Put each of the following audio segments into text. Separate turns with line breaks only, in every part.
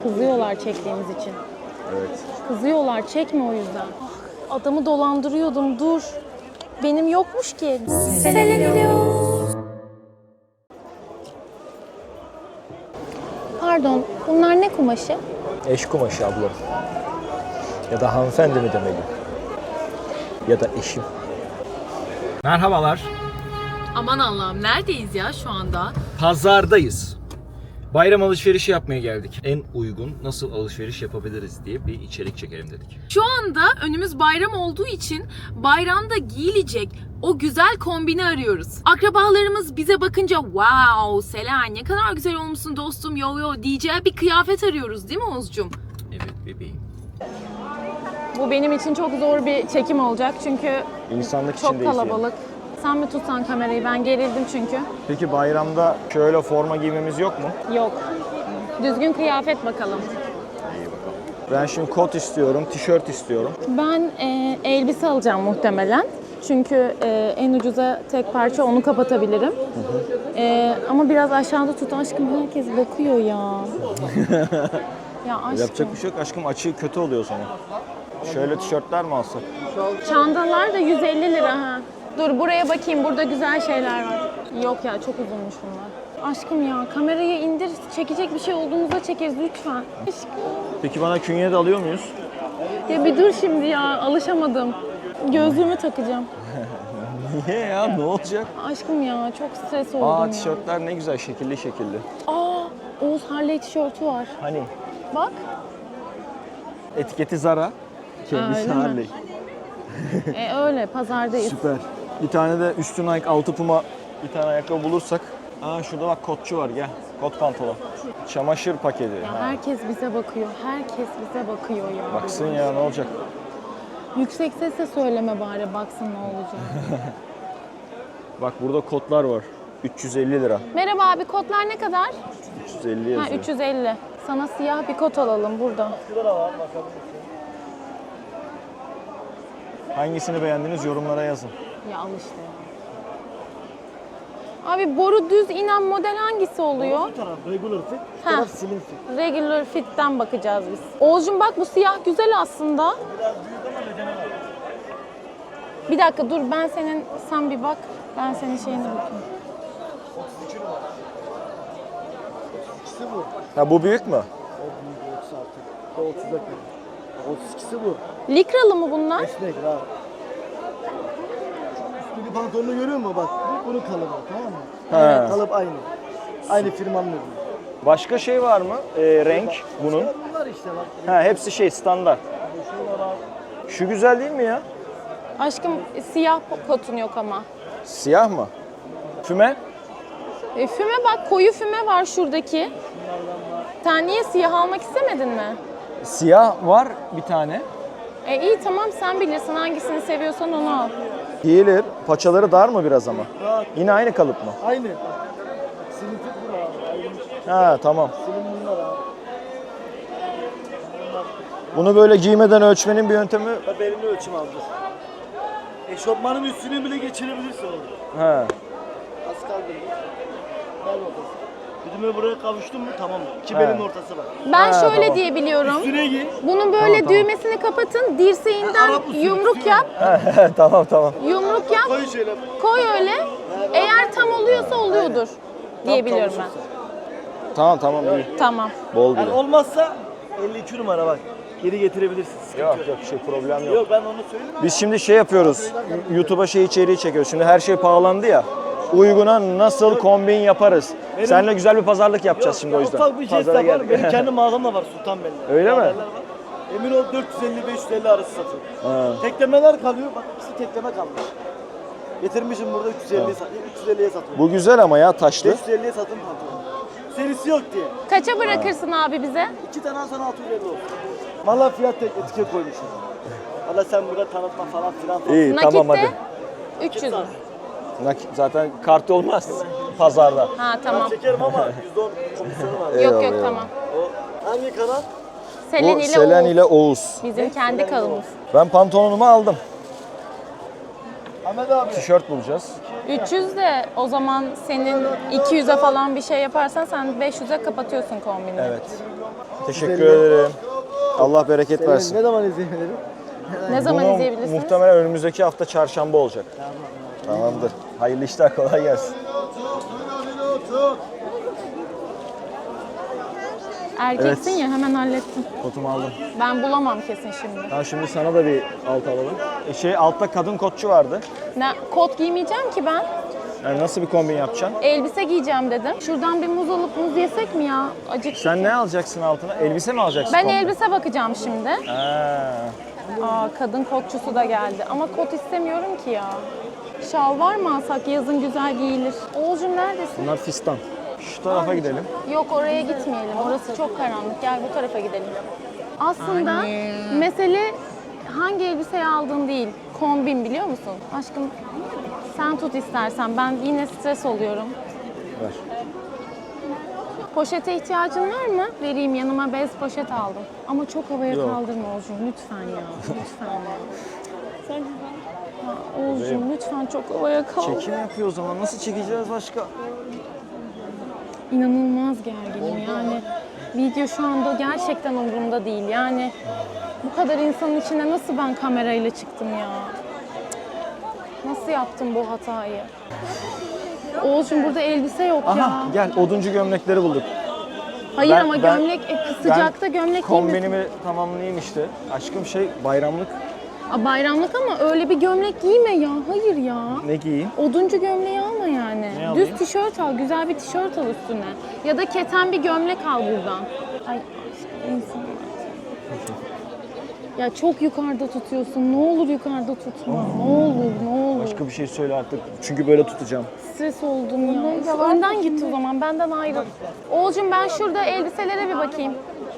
Kızıyorlar çektiğimiz için.
Evet.
Kızıyorlar, çekme o yüzden. Ah, adamı dolandırıyordum, dur. Benim yokmuş ki. Pardon, bunlar ne kumaşı?
Eş kumaşı abla. Ya da hanımefendi mi demeli? Ya da eşim. Merhabalar.
Aman Allah'ım, neredeyiz ya şu anda?
Pazardayız. Bayram alışverişi yapmaya geldik. En uygun nasıl alışveriş yapabiliriz diye bir içerik çekelim dedik.
Şu anda önümüz bayram olduğu için bayramda giyilecek o güzel kombini arıyoruz. Akrabalarımız bize bakınca wow Selen ne kadar güzel olmuşsun dostum yo yo diyeceği bir kıyafet arıyoruz değil mi Oğuzcum?
Evet bebeğim.
Bu benim için çok zor bir çekim olacak çünkü
İnsanlık
çok
içindeyiz
kalabalık. Sen mi tutsan kamerayı? Ben gerildim çünkü.
Peki bayramda şöyle forma giymemiz yok mu?
Yok. Düzgün kıyafet bakalım.
Ben şimdi kot istiyorum, tişört istiyorum.
Ben elbise alacağım muhtemelen. Çünkü en ucuza tek parça onu kapatabilirim. Ama biraz aşağıda tut aşkım, herkes bakıyor ya. Ya aşkım.
Yapacak bir şey yok aşkım, açığı kötü oluyor sonra. Şöyle tişörtler mi alsak?
Çantalar da 150 lira ha. Dur buraya bakayım, burada güzel şeyler var. Yok ya, çok uzunmuş bunlar. Aşkım ya, kamerayı indir, çekecek bir şey olduğumuzda çekeriz lütfen. Aşkım.
Peki bana künye de alıyor muyuz?
Ya bir dur şimdi ya, alışamadım. Gözlüğümü takacağım.
Niye ya, ne olacak?
Aşkım ya, çok stres oldum ya.
Tişörtler ne güzel, şekilli şekilli.
Oğuz Harley tişörtü var.
Hani?
Bak.
Etiketi Zara, kendisi
öyle mi?
Harley.
Öyle, pazardayız.
Süper. Bir tane de üstü Nike, altı Puma bir tane ayakkabı bulursak. Şurada bak kotçu var, gel. Kot pantolon. Çamaşır paketi.
Ya herkes bize bakıyor, herkes bize bakıyor ya.
Baksın ya, ne olacak?
Yüksek sesle söyleme bari, baksın ne olacak.
Bak burada kotlar var. 350 lira.
Merhaba abi, kotlar ne kadar?
350 yazıyor.
350. Sana siyah bir kot alalım burada.
Hangisini beğendiniz yorumlara yazın.
Ya al işte ya. Abi boru düz inen model hangisi oluyor?
Bu taraf regular fit, bu
Ha.
taraf slim fit.
Regular fit'ten bakacağız biz. Oğuzcum bak, bu siyah güzel aslında.
Biraz büyük ama bedene var.
Bir dakika dur, sen bir bak. Ben senin şeyine bakayım.
32 numara. 32'si bu.
Ha bu büyük mü?
O büyük 36. Bu 34 32'si bu.
Likralı mı bunlar?
Esnek rahat. Üstündeki pantolonu görüyor musun bak? Bunun kalıbı tamam mı?
He.
Kalıp aynı. Aynı firmanın ürünü.
Başka şey var mı? Renk bunun.
Bunlar işte bak.
Ha hepsi şey standart.
Şunlar abi.
Şu güzel değil mi ya?
Aşkım siyah kotun yok ama.
Siyah mı? Füme?
Füme bak, koyu füme var şuradaki. Sen niye siyah almak istemedin mi?
Siyah var bir tane.
İyi tamam, sen bilirsin hangisini seviyorsan onu al.
Giyilir. Paçaları dar mı biraz ama?
Rahat.
Yine aynı kalıp mı?
Aynı. Slim fit bu abi. Ayrılmış.
Ha tamam.
Slim bunlar abi.
Bunu böyle giymeden ölçmenin bir yöntemi...
Bak belini ölçüm aldı. Eşofmanın üstüne bile geçirebilirsin orada.
He.
Az kaldı. Gel bakalım. Güdüme buraya kavuştun mu tamam mı? İki
He.
belin ortası var.
Ben
Ha,
şöyle
tamam.
diye biliyorum.
Üstüne giy.
Bunun böyle
Tamam.
düğmesini kapatın, dirseğinden
Arap usulü
yumruk
tutuyor.
yap.
Tamam tamam.
Yumruk yap,
Koy şöyle.
koy öyle. Eğer tam oluyorsa oluyordur diye biliyorum ben.
Tamam tamam iyi.
Tamam.
Bol
Yani
bile.
olmazsa 52 numara bak. Geri getirebilirsin. Sıkıntı
Yok yok şey problem yok.
Yok ben onu söyleyeyim.
Biz şimdi şey yapıyoruz. YouTube'a şey içeriği çekiyoruz. Şimdi her şey pahalandı ya. Uyguna nasıl kombin yaparız? Seninle güzel bir pazarlık yapacağız şimdi o yüzden.
Ufak bir jest
Pazara
var. Benim
gel.
kendi mağazam da var Sultanbeyli'de.
Öyle mi?
Haberler var. Emin ol 450-550 arası satıyor. Teklemeler kalıyor. Bak ikisi tekleme kalmış. Getirmişim burada 350'ye satıyorum.
Bu güzel ama ya taşlı.
550'ye satın pantolon. Serisi yok diye.
Kaça bırakırsın abi bize?
2 tane alsan 650 olsun. Valla fiyat tek etiket koymuşum. Valla sen burada tanıtma falan filan.
İyi tamam hadi.
Nakitte 300 mü?
Zaten kart olmaz pazarda.
Ha tamam.
Çekerim ama %10 komisyonu var.
Yok
Eyvallah,
yok
eyvallah.
tamam.
O hangi kanal?
Selen
Bu
ile
Selen
Oğuz.
ile Oğuz.
Bizim kendi kanalımız.
Ben pantolonumu aldım.
Ahmet abi.
Tişört bulacağız.
300 de o zaman senin 200'e falan bir şey yaparsan sen 500'e kapatıyorsun kombini.
Evet. Teşekkür
350.
ederim. Allah bereket versin.
Ne zaman izleyebilirim?
Ne zaman
Bunu
izleyebilirsiniz?
muhtemelen önümüzdeki hafta çarşamba olacak. Tamamdır. Hayırlı işler, kolay gelsin.
Erkeksin
Evet.
ya hemen hallettim.
Kotumu aldım.
Ben bulamam kesin şimdi.
Tamam, şimdi sana da bir alt alalım. Altta kadın kotçu vardı.
Kot giymeyeceğim ki ben.
Yani nasıl bir kombin yapacaksın?
Elbise giyeceğim dedim. Şuradan bir muz alıp muz yesek mi ya? Acık.
Sen ne alacaksın altına? Elbise mi alacaksın?
Ben
komple?
elbise bakacağım şimdi.
Ha.
Kadın kotçusu da geldi. Ama kot istemiyorum ki ya. Şal var mı alsak? Yazın güzel giyilir. Oğuzcum neredesin?
Bunlar fistan. Şu tarafa gidelim.
Yok oraya gitmeyelim. Orası çok karanlık. Gel bu tarafa gidelim. Aslında mesele hangi elbiseyi aldığın değil. Kombin biliyor musun? Aşkım sen tut istersen. Ben yine stres oluyorum.
Ver.
Poşete ihtiyacın var mı? Vereyim, yanıma bez poşet aldım. Ama çok havaya
Yok.
kaldırma Oğuzcum lütfen ya. Lütfen ya. Oğuzcum lütfen çok havaya kaldır.
Çekim yapıyor o zaman. Nasıl çekeceğiz başka?
İnanılmaz gerginim yani. Video şu anda gerçekten umurumda değil. Yani bu kadar insanın içine nasıl ben kamerayla çıktım ya? Nasıl yaptım bu hatayı? Oğuzcum burada elbise yok ya.
Aha gel, oduncu gömlekleri bulduk.
Hayır
ben-
ama
ben-
gömlek sıcakta gömlek giymesin.
Kombinimi tamamlayayım işte. Aşkım bayramlık.
Bayramlık ama öyle bir gömlek giyme ya. Hayır ya.
Ne giyeyim?
Oduncu gömleği alma yani.
Ne alayım?
Düz tişört al, güzel bir tişört al üstüne. Ya da keten bir gömlek al buradan. Ay aşkım insan. Ya çok yukarıda tutuyorsun. Ne olur yukarıda tutma. Ne olur, ne olur.
Başka bir şey söyle artık. Çünkü böyle tutacağım.
Stres oldum ya. Önden git o zaman. Benden ayrıl. Oğulcum ben şurada elbiselere bir bakayım.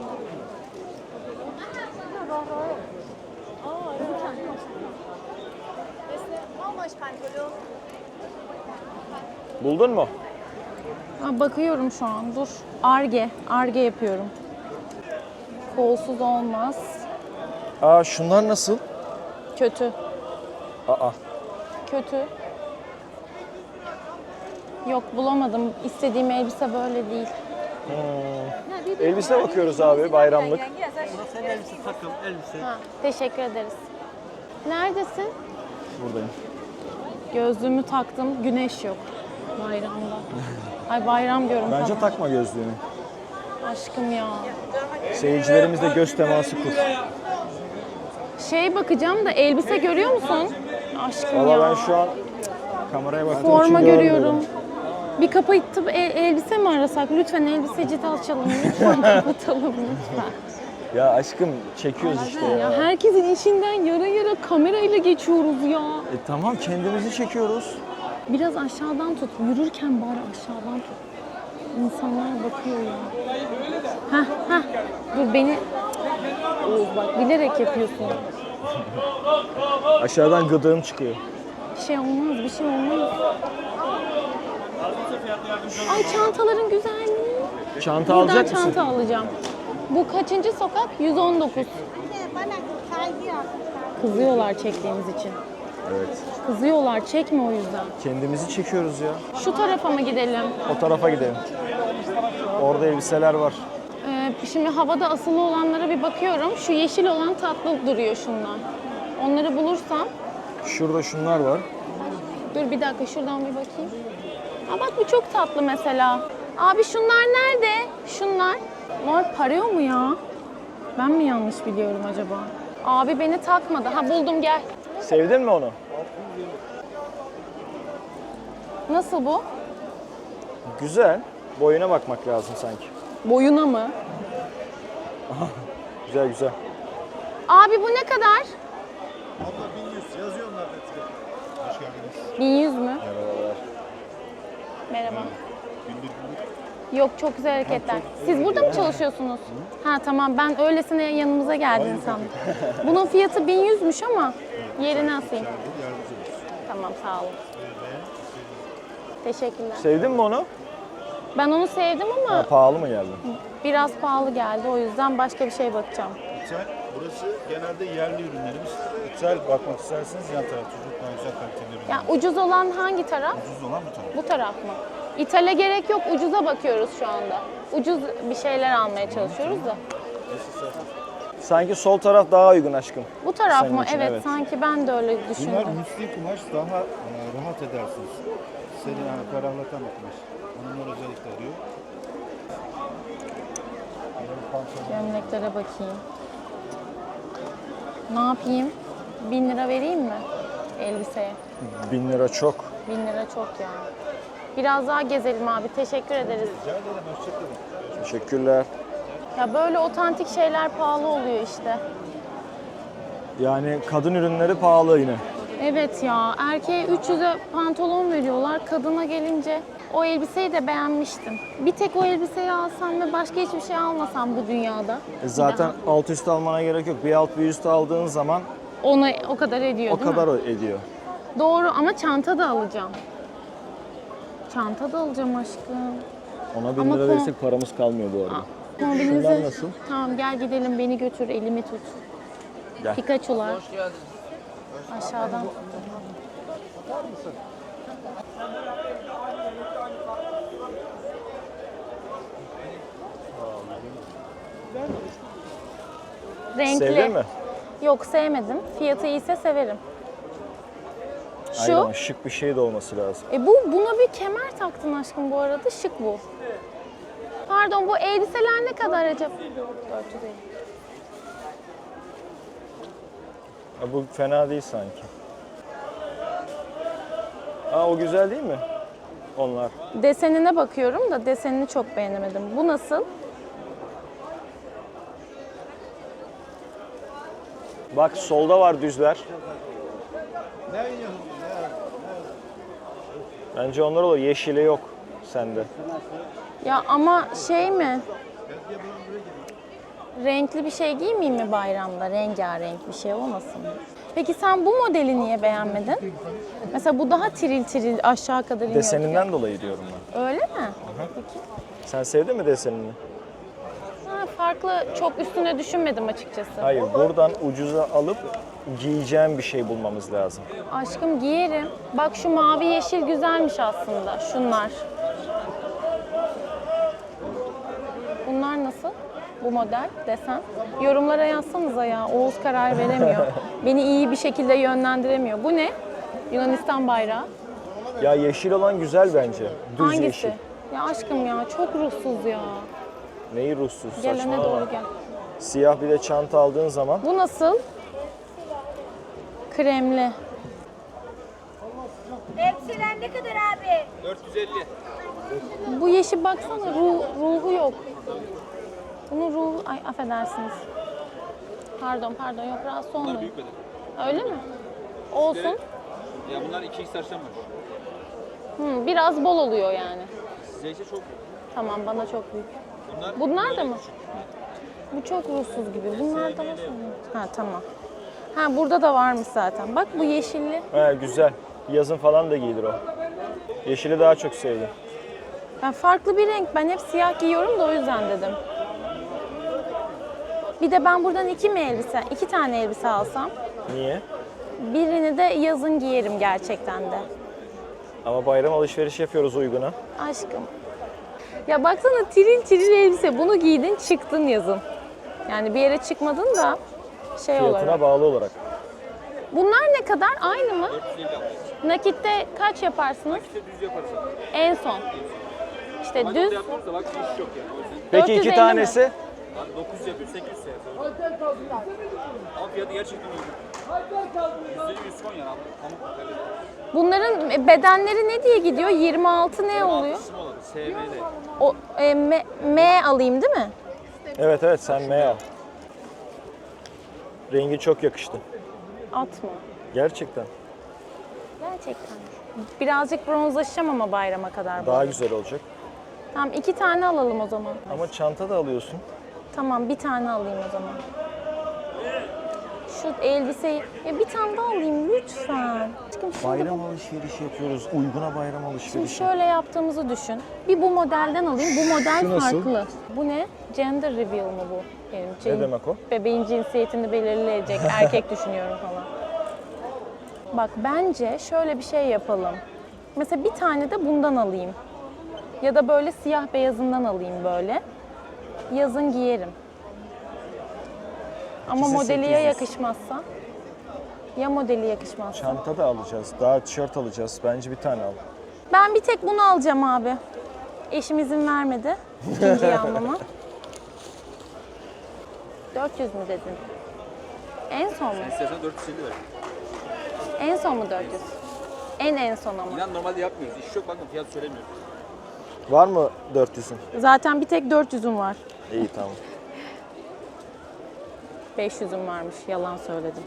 Buldun mu?
Bakıyorum şu an. Dur. Arge yapıyorum. Kolsuz olmaz.
Şunlar nasıl?
Kötü.
Aa.
Kötü. Yok bulamadım. İstediğim elbise böyle değil.
Elbise bakıyoruz abi, bayramlık.
Sen elbise, takım, elbise.
Teşekkür ederiz. Neredesin?
Buradayım.
Gözlüğümü taktım. Güneş yok. Bayramda. Ay bayram diyorum
Bence
sana.
takma gözlüğünü.
Aşkım ya.
Seyircilerimizle göz teması kur.
Bakacağım da elbise görüyor musun? Aşkım ya.
Valla ben şu an kameraya baktığım için
Forma
görmüyorum.
görüyorum. Bir kapatıp elbise mi arasak? Lütfen elbiseci açalım. Lütfen kapatalım lütfen.
Ya aşkım çekiyoruz işte ya.
Ya herkesin işinden yara kamerayla geçiyoruz ya.
Tamam, kendimizi çekiyoruz.
Biraz aşağıdan tut. Yürürken bari aşağıdan tut. İnsanlar bakıyor ya. Heh. Dur beni... Oğuz bak bilerek yapıyorsun.
Aşağıdan gıdığım çıkıyor.
Bir şey olmaz. Ay çantaların güzelliği.
Çanta
Buradan
alacak mısın?
çanta alacağım. Bu kaçıncı sokak? 119. Kızıyorlar çektiğimiz için.
Evet.
Kızıyorlar çekme o yüzden.
Kendimizi çekiyoruz ya.
Şu tarafa mı gidelim?
O tarafa gidelim. Orada elbiseler var.
Şimdi havada asılı olanlara bir bakıyorum. Şu yeşil olan tatlı duruyor şundan. Onları bulursam.
Şurada şunlar var.
Dur bir dakika şuradan bir bakayım. Bak bu çok tatlı mesela. Abi şunlar nerede? Şunlar. Bunlar parıyor mu ya? Ben mi yanlış biliyorum acaba? Abi beni takmadı. Buldum gel.
Sevdin mi onu?
Nasıl bu?
Güzel. Boyuna bakmak lazım sanki.
Boyuna mı?
Güzel.
Abi bu ne kadar?
Abla 1100 yazıyor onlar da. Hoş geldiniz.
1100 mü?
Merhabalar.
Merhaba. Yok çok güzel hareketler. Siz burada mı çalışıyorsunuz? Tamam ben öylesine yanımıza geldin sandım. Bunun fiyatı 1100'müş ama yerini asayım. Tamam sağ olun. Teşekkürler.
Sevdin mi onu?
Ben onu sevdim ama
Pahalı mı geldi?
biraz pahalı geldi. O yüzden başka bir şey bakacağım.
Burası genelde yerli ürünlerimiz. İthal bakmak isterseniz yan taraf çocuk daha güzel kaliteli ürünler.
Yani ucuz olan hangi taraf?
Ucuz olan bu taraf.
Bu taraf mı? İthale gerek yok. Ucuza bakıyoruz şu anda. Ucuz bir şeyler almaya çalışıyoruz da.
Sanki sol taraf daha uygun aşkım.
Bu taraf
Senin
mı?
için,
Evet,
evet.
sanki ben de öyle
Bunlar
düşündüm.
müsli kumaş, daha rahat edersiniz. Seni yani ferahlatan bir kumaş. Hanımlar özellikle arıyor.
Gömleklere bakayım. Ne yapayım? 1000 lira vereyim mi elbiseye?
1000 lira çok.
1000 lira çok ya. Biraz daha gezelim abi. Teşekkür ederiz.
Rica ederim, hoşçakalın.
Teşekkürler.
Ya böyle otantik şeyler pahalı oluyor işte.
Yani kadın ürünleri pahalı yine.
Evet ya. Erkeğe 300'e pantolon veriyorlar. Kadına gelince o elbiseyi de beğenmiştim. Bir tek o elbiseyi alsam ve başka hiçbir şey almasam bu dünyada.
Zaten alt üst almana gerek yok. Bir alt bir üst aldığın zaman
Ona o kadar ediyor
o
değil
kadar
mi?
ediyor.
Doğru ama çanta da alacağım. Çanta da alacağım aşkım.
Ona 1000
Ama
lira verirsek paramız kalmıyor bu arada.
Kombinize...
Şunlar nasıl?
Tamam gel gidelim, beni götür, elimi tut.
Gel.
Pikachu'lar. Aşağıdan. Renkli.
Sevdin mi?
Yok sevmedim. Fiyatı iyiyse severim.
Hayır
Şu.
ama şık bir şey de olması lazım.
Buna bir kemer taktın aşkım bu arada. Şık bu. Pardon, bu elbiseler ne kadar acaba? 450.
Ha, bu fena değil sanki. Aa, o güzel değil mi? Onlar.
Desenine bakıyorum da desenini çok beğenemedim. Bu nasıl?
Bak solda var düzler. Bence onlar olur. Yeşili yok sende.
Ya ama şey mi? Renkli bir şey giymeyeyim mi bayramda? Rengarenk bir şey olmasın mı? Peki sen bu modeli niye beğenmedin? Mesela bu daha tiril tiril aşağı kadar iniyor.
Deseninden dolayı diyorum ben.
Öyle mi?
Sen sevdin mi desenini?
Ha, farklı, çok üstüne düşünmedim açıkçası.
Hayır, buradan ucuza alıp giyeceğim bir şey bulmamız lazım.
Aşkım giyerim. Bak şu mavi yeşil güzelmiş aslında. Şunlar. Bunlar nasıl? Bu model, desen. Yorumlara yazsanıza ya. Oğuz karar veremiyor. Beni iyi bir şekilde yönlendiremiyor. Bu ne? Yunanistan bayrağı.
Ya yeşil olan güzel bence. Düz
Hangisi?
yeşil.
Ya aşkım ya çok ruhsuz ya.
Neyi ruhsuz,
Gel öne
saçmalama.
doğru gel.
Siyah bir de çanta aldığın zaman
Bu nasıl? Kremli.
Elbiseler ne kadar abi?
Bu yeşil baksana ruhu yok. Bunun ruhu... Ay affedersiniz. Pardon yok rahatsız olmayın.
Büyük beden.
Öyle mi? Olsun.
Ya bunlar 2x var.
Biraz bol oluyor yani.
Size ise çok
Tamam bana çok büyük.
Bunlar,
Bunlar da mı? Bu çok ruhsuz gibi. Bunlar da var mı? Ha tamam. Ha burada da varmış zaten. Bak bu yeşilli.
he, güzel. Yazın falan da giyilir o. Yeşili daha çok sevdim.
Ben farklı bir renk. Ben hep siyah giyiyorum da o yüzden dedim. Bir de ben buradan iki tane elbise alsam.
Niye?
Birini de yazın giyerim gerçekten de.
Ama bayram alışveriş yapıyoruz uyguna.
Aşkım. Ya baksana tiril tiril elbise. Bunu giydin çıktın yazın. Yani bir yere çıkmadın da şey
Fiyatına
olarak.
bağlı olarak.
Bunlar ne kadar? Aynı mı? Nakitte kaç yaparsınız?
düz yaparız.
En son. İşte düz.
Yapıyoruz da bak iş yok yani. O yüzden
Peki
450
iki
mi?
tanesi?
yani 900 yapıyor 800 yapıyor. Ama fiyatı gerçekten uygun. %100 son yani abi. Pamuk kalite.
Bunların bedenleri ne diye gidiyor? 26 ne oluyor?
Kısmı olur. SV'de.
O M alayım değil mi?
Evet sen M al. Rengi çok yakıştı.
At mı?
Gerçekten.
Gerçekten. Birazcık bronzlaşacağım ama bayrama kadar.
Daha güzel olacak.
Tamam 2 tane alalım o zaman.
Ama çanta da alıyorsun.
Tamam bir tane alayım o zaman. Şu elbiseyi bir tane daha alayım lütfen. Aşkım şimdi
Bayram alışverişi yapıyoruz. Uyguna bayram
Şimdi
alışverişi.
şöyle yaptığımızı düşün. Bir bu modelden alayım. Bu model
Şu nasıl?
farklı. Bu ne? Gender reveal mı bu? Benim
Ne demek o?
Bebeğin cinsiyetini belirleyecek. Erkek düşünüyorum falan. Bak bence şöyle bir şey yapalım. Mesela bir tane de bundan alayım. Ya da böyle siyah beyazından alayım böyle. Yazın giyerim. Ama
İkisi
modeli ya
800.
yakışmazsa? Ya modeli yakışmazsa?
Çanta da alacağız. Daha tişört alacağız. Bence bir tane al.
Ben bir tek bunu alacağım abi. Eşim izin vermedi ikinciyi almama. 400 mü dedin? En son mu?
İstersen 450 ver.
En son mu 400? En son ama.
İnan normalde yapmıyoruz. İş yok bakın fiyat söylemiyoruz.
Var mı 400'ün?
Zaten bir tek 400'üm var.
İyi tamam.
500'üm varmış. Yalan söyledim.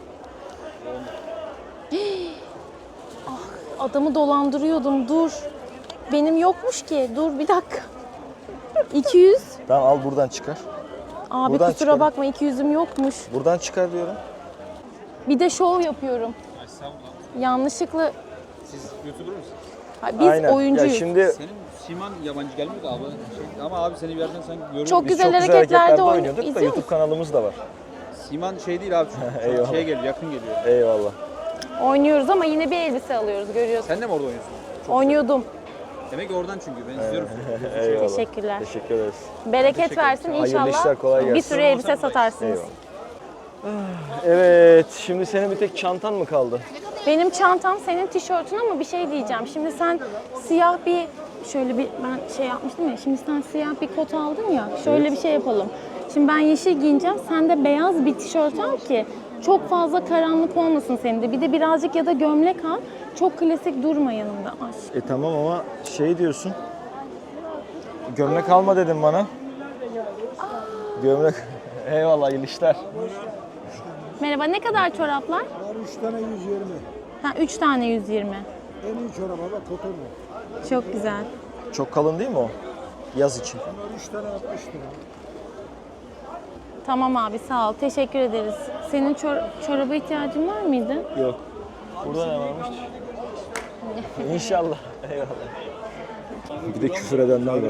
Ah, adamı dolandırıyordum. Dur. Benim yokmuş ki. Dur bir dakika. 200.
Tamam al buradan çıkar.
Abi
Buradan
kusura
çıkarım.
bakma 200'üm yokmuş.
Buradan çıkar diyorum.
Bir de şov yapıyorum. Yanlışlıkla
Siz YouTuber musun?
biz
Aynen.
oyuncuyuz.
Ya şimdi
Senin siman yabancı gelmiyor da abi. Ama abi seni bir yerden sanki görüyorum.
Çok
biz
güzel
çok güzel
hareketlerde
hareketlerde
oynuyorduk.
oynuyorduk da
İzliyor
YouTube kanalımız da var.
Siman şey değil abi. Çok
Eyvallah.
şeye geliyor, yakın geliyor.
Eyvallah.
Oynuyoruz ama yine bir elbise alıyoruz görüyorsun.
Sen de mi orada oynuyorsun?
Oynuyordum.
Demek ki oradan çünkü ben izliyorum.
Eyvallah.
Teşekkürler.
Teşekkür ederiz.
Bereket versin
Hayırlı
inşallah.
işler, kolay gelsin.
Bir sürü elbise satarsınız.
Eyvallah. Evet, şimdi senin bir tek çantan mı kaldı?
Benim çantam senin tişörtün ama bir şey diyeceğim. Şimdi sen siyah bir şöyle bir ben şey yapmıştım ya. Şimdi sen siyah bir kot aldın ya. Şöyle bir şey yapalım. Şimdi ben yeşil giyineceğim. Sen de beyaz bir tişört al ki çok fazla karanlık olmasın senin de. Bir de birazcık ya da gömlek al. Çok klasik durma yanımda. Ay.
Tamam ama şey diyorsun. Gömlek alma dedin bana. Gömlek. Eyvallah, hayırlı işler.
Merhaba, ne kadar çoraplar?
Var 3 tane 120.
Ha 3 tane 120.
En iyi çoraba bak koton mu?
Çok güzel.
Çok kalın değil mi o? Yaz için.
Bunlar 3 tane 60 lira.
Tamam abi sağ ol. Teşekkür ederiz. Senin çoraba ihtiyacın var mıydı?
Yok. Burada ne varmış? İnşallah. Eyvallah. Bir de küfür edenler var.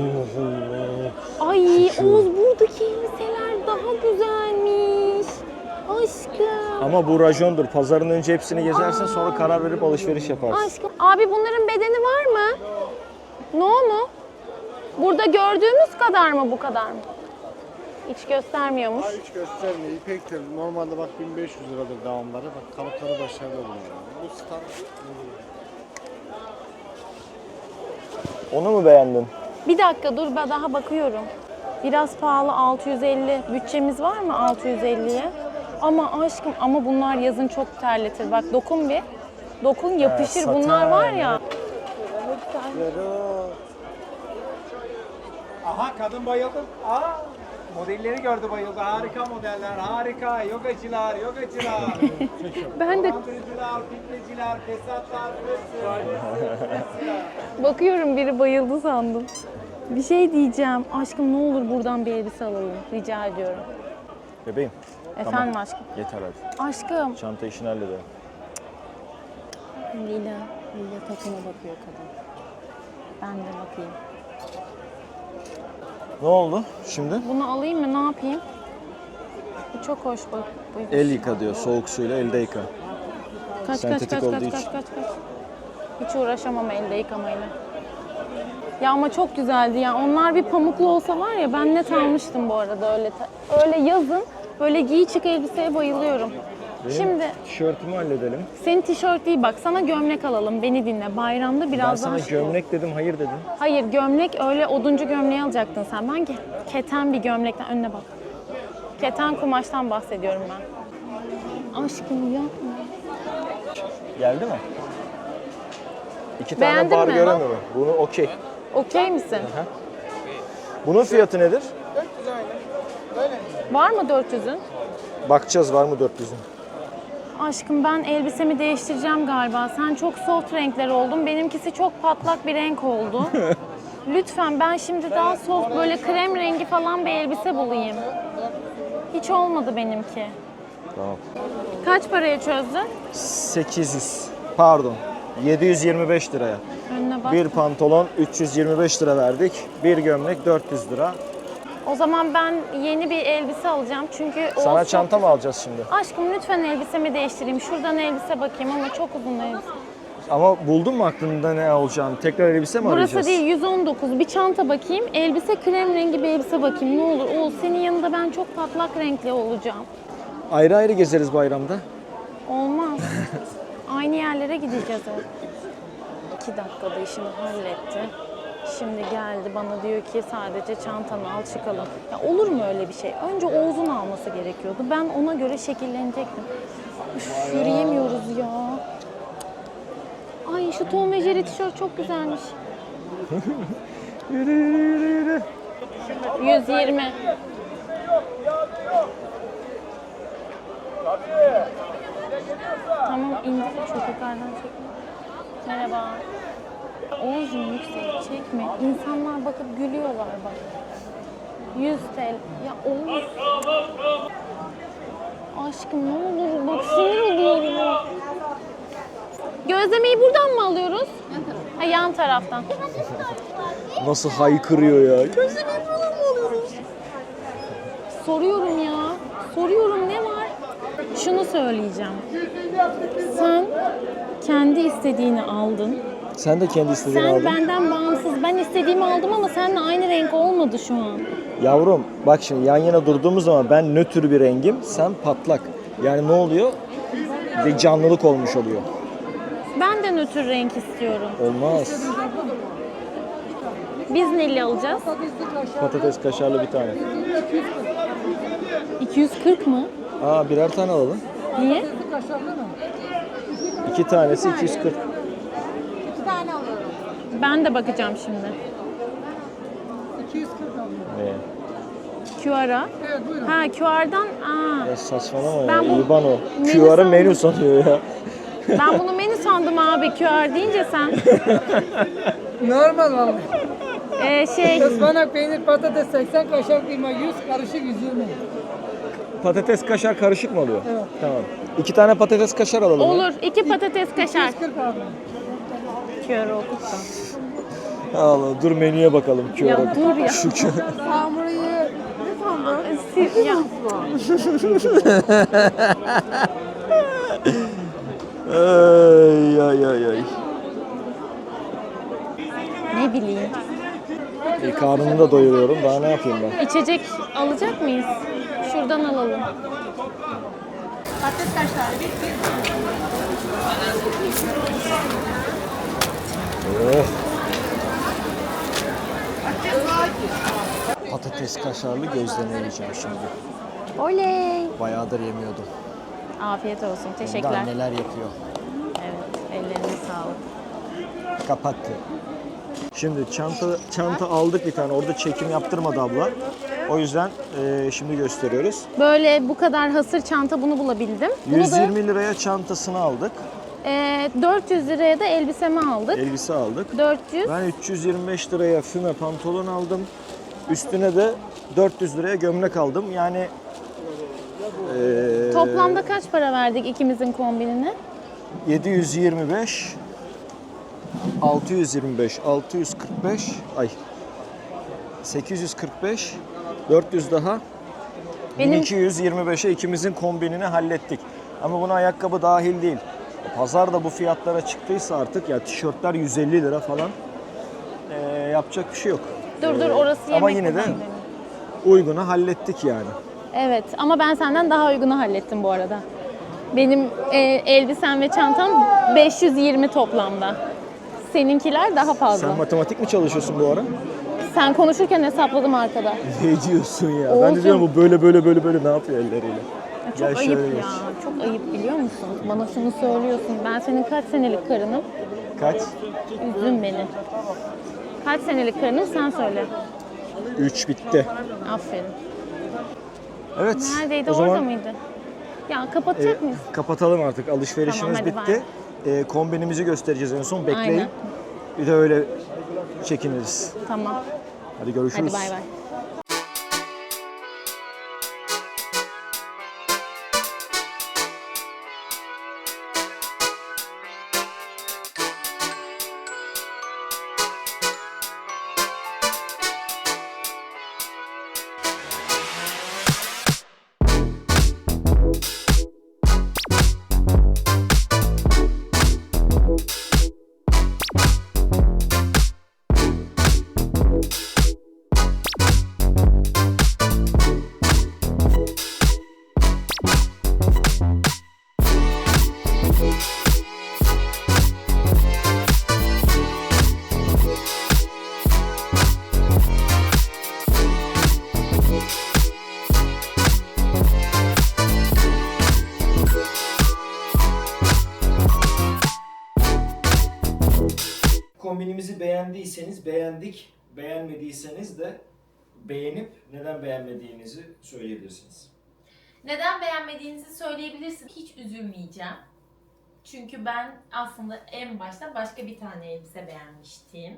Ay Oğuz buradaki elbiseler daha güzelmiş. Aşkım.
Ama bu rajondur. Pazarın önce hepsini gezersin, sonra karar verip alışveriş yaparsın.
Aşkım. Abi bunların bedeni var mı? No mu? Burada gördüğümüz kadar mı bu kadar mı? Hiç göstermiyormuş.
Hiç göstermiyor. İpektir. Normalde bak 1500 liradır devamları. Bak kalıpları başarılı bunlar. Bu standart.
Onu mu beğendin?
Bir dakika dur ben daha bakıyorum. Biraz pahalı 650. Bütçemiz var mı 650'ye? Ama aşkım ama bunlar yazın çok terletir. Bak dokun bir. Dokun yapışır.
saten.
Bunlar var ya.
Aha kadın bayıldı. Aa, modelleri gördü bayıldı. Harika modeller, harika. Yogacılar, yogacılar.
Ben de
Dolandırıcılar, fitneciler, fesatlar, hepsi.
bakıyorum biri bayıldı sandım. Bir şey diyeceğim. Aşkım ne olur buradan bir elbise alalım. Rica ediyorum.
Bebeğim.
Efendim aşkım.
Yeter hadi.
Aşkım.
Çanta işini halledelim.
Lila takıma bakıyor kadın. Ben de bakayım.
Ne oldu şimdi?
Bunu alayım mı? Ne yapayım? Bu çok hoş bak. Bu-
El yıka diyor. Soğuk suyla elde yıka.
Kaç
sentetik olduğu için.
kaç. Hiç uğraşamam elde yıkamayla. Ya ama çok güzeldi ya. Onlar bir pamuklu olsa var ya ben net almıştım bu arada öyle. Öyle yazın böyle giy çık elbiseye bayılıyorum.
Benim
Şimdi
tişörtümü halledelim.
senin tişört değil bak sana gömlek alalım. Beni dinle. Bayramda
Ben
biraz
sana
daha
gömlek dedim, hayır dedin.
Hayır gömlek öyle oduncu gömleği alacaktın sen. Ben keten bir gömlekten önüne bak. Keten kumaştan bahsediyorum ben. Aşkım yapma.
Geldi mi? İki
Beğendin
tane bar
mi?
göremiyorum. Bunu okey.
Okey misin?
Bunun fiyatı nedir?
Var mı 400'ün?
Bakacağız var mı 400'ün.
Aşkım ben elbisemi değiştireceğim galiba. Sen çok soft renkler oldun. Benimkisi çok patlak bir renk oldu. Lütfen ben şimdi daha soft böyle krem rengi falan bir elbise bulayım. Hiç olmadı benimki.
Tamam.
Kaç paraya çözdün?
800. Pardon. 725 liraya.
Önüne bak.
Bir pantolon 325 lira verdik. Bir gömlek 400 lira.
O zaman ben yeni bir elbise alacağım çünkü o
Sana
çok-
çanta mı alacağız şimdi?
Aşkım lütfen elbisemi değiştireyim. Şuradan elbise bakayım ama çok uzun elbise.
Ama buldun mu aklında ne olacağını? Tekrar elbise mi arayacağız?
Burası değil 119. Bir çanta bakayım. Elbise krem rengi bir elbise bakayım ne olur. Oğuz senin yanında ben çok patlak renkli olacağım.
Ayrı ayrı gezeriz bayramda.
Olmaz. Aynı yerlere gideceğiz hep. 2 dakikada işini halletti. Şimdi geldi bana diyor ki sadece çantanı al çıkalım. Ya olur mu öyle bir şey? Önce Oğuz'un alması gerekiyordu. Ben ona göre şekillenecektim. Üf, yürüyemiyoruz ya. Ay şu Tom ve Jerry tişört çok güzelmiş.
Yürü yürü yürü yürü.
120. Tamam indir. Çok yukarıdan çekme. Merhaba. Oğuz'un yüksek çekme. İnsanlar bakıp gülüyorlar bak. 100 TL. Ya Oğuz. Aşkım ne olur bak sinir oluyorum. Gözlemeyi buradan mı alıyoruz? Yan taraftan. Ha, yan taraftan.
Nasıl haykırıyor ya.
Gözlemeyi buradan mı alıyoruz? Soruyorum ya. Soruyorum ne var? Şunu söyleyeceğim. Sen kendi istediğini aldın.
Sen de kendi istediğini
Sen
aldın.
benden bağımsız. Ben istediğimi aldım ama seninle aynı renk olmadı şu an.
Yavrum bak şimdi yan yana durduğumuz zaman ben nötr bir rengim, sen patlak. Yani ne oluyor? Bir canlılık olmuş oluyor.
Ben de nötr renk istiyorum.
Olmaz.
Biz neli alacağız?
Patates kaşarlı bir tane.
240 mı?
Aa birer tane alalım.
Niye?
2 tanesi 240.
Ben de bakacağım şimdi.
Ne?
QR'a. Ha QR'dan.
Ya saçmalama
Ben
ya.
bu
İban o.
menü
QR'ı
sandım.
menü sanıyor ya.
Ben bunu menü sandım abi QR deyince sen.
Normal abi.
Şey
Ispanak, peynir, patates 80, kaşar kıyma 100, karışık 120.
Patates kaşar karışık mı oluyor? Evet. Tamam. 2 tane patates kaşar alalım. ya.
olur. 2 patates kaşar.
140 abi.
QR okuttum.
Allah dur menüye bakalım.
Ya
QR'a.
dur ya.
Şu
Hamurayı ne sandın?
Siz ya.
Ay ay ay ay.
Ne bileyim.
Karnımı da doyuruyorum. Daha ne yapayım ben?
İçecek alacak mıyız? Şuradan alalım.
Patates kaşar.
Oh. Patates kaşarlı gözleme yiyeceğim şimdi.
Oley.
Bayağıdır yemiyordum.
Afiyet olsun.
Hem de
Teşekkürler.
anneler yapıyor.
Evet. Ellerine sağlık.
Kapattı. Şimdi çanta aldık bir tane. Orada çekim yaptırmadı abla. O yüzden şimdi gösteriyoruz.
Böyle bu kadar hasır çanta bunu bulabildim. Bunu
120 liraya çantasını aldık.
da 400 liraya da elbisemi aldık.
Elbise aldık.
400.
Ben 325 liraya füme pantolon aldım. Üstüne de 400 liraya gömlek aldım. Yani
Toplamda kaç para verdik ikimizin kombinine?
725 625 645 845 400 daha
Benim
1225'e ikimizin kombinini hallettik. Ama buna ayakkabı dahil değil. Pazarda bu fiyatlara çıktıysa artık ya tişörtler 150 lira falan. Yapacak bir şey yok.
dur orası yemek.
Ama yine de
benim.
uygunu hallettik yani.
Evet ama ben senden daha uygunu hallettim bu arada. Benim elbisem ve çantam 520 toplamda. Seninkiler daha fazla.
Sen matematik mi çalışıyorsun bu ara?
Sen konuşurken hesapladım arkada.
Ne diyorsun ya? Ben
Olsun.
de diyorum bu böyle ne yapıyor elleriyle?
Ya
Gel
çok
şöyle
ayıp
geç.
ya. Çok ayıp biliyor musun? Bana şunu söylüyorsun. Ben senin kaç senelik karınım?
Kaç?
Üzdün beni. Kaç senelik karınım sen söyle.
3 bitti.
Aferin.
Evet.
Neredeydi?
o
Orada
zaman
mıydı? Ya kapatacak mıyız?
kapatalım artık. Alışverişimiz
Tamam, hadi
bitti. Kombinimizi göstereceğiz en son. Bekleyin.
Aynen.
Bir de öyle çekiniriz.
Tamam.
Hadi görüşürüz.
Hadi bay bay.
Kombinimizi beğendiyseniz beğendik, beğenmediyseniz de beğenip neden beğenmediğinizi söyleyebilirsiniz.
Neden beğenmediğinizi söyleyebilirsin. Hiç üzülmeyeceğim. Çünkü ben aslında en başta başka bir tane elbise beğenmiştim.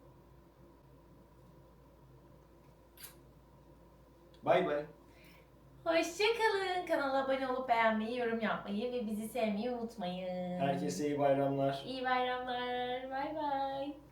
Bay bay.
Hoşçakalın. Kanala abone olup beğenmeyi, yorum yapmayı ve bizi sevmeyi unutmayın.
Herkese iyi bayramlar.
İyi bayramlar. Bay bay.